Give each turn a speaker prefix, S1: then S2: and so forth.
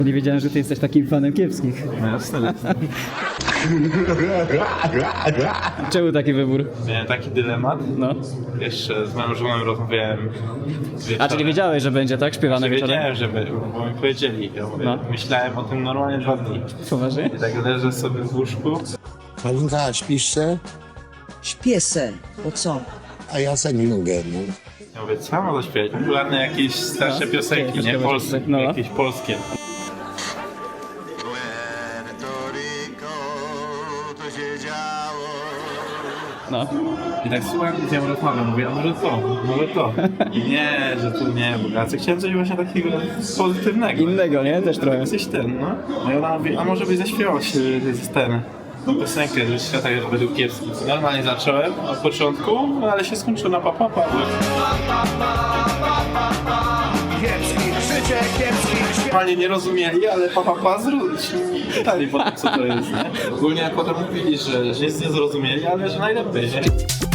S1: Nie wiedziałem, że ty jesteś takim fanem kiepskich.
S2: No jasne.
S1: Czemu taki wybór?
S2: Miałem taki dylemat.
S1: No.
S2: Jeszcze z moją żoną rozmawiałem wieczorem.
S1: A czyli wiedziałeś, że będzie tak śpiewane wieczorem?
S2: Wiedziałem, żeby, bo mi powiedzieli. Ja mówię,
S1: No.
S2: myślałem o tym normalnie 2 dni.
S1: Poważnie?
S2: I tak leżę sobie w łóżku.
S3: Halinka, śpisz se?
S4: Śpię se, bo co?
S3: A ja se nie mogę, no.
S2: Ja mówię, co mam zaśpiewać? Popularne jakieś starsze
S1: No.
S2: piosenki, nie?
S1: Ciekawe,
S2: Polskie,
S1: no.
S2: jakieś polskie.
S1: No.
S2: I tak słucham, z nią rozmawiam, mówię, a może to, może to. I nie, że to nie, bo ja chciałem coś właśnie takiego pozytywnego.
S1: Innego, nie? Też trochę.
S2: Jesteś ten, no. No i ona mówi, a może byś zaśpiewać ten, tą piosenkę ze świata według kiepskich. Normalnie zacząłem od początku, no ale się skończyło na papapa. Normalnie nie rozumieli, ale papapa pytali potem co to jest, nie? Ogólnie potem mówili, że nic nie zrozumieli, ale że najlepiej, nie?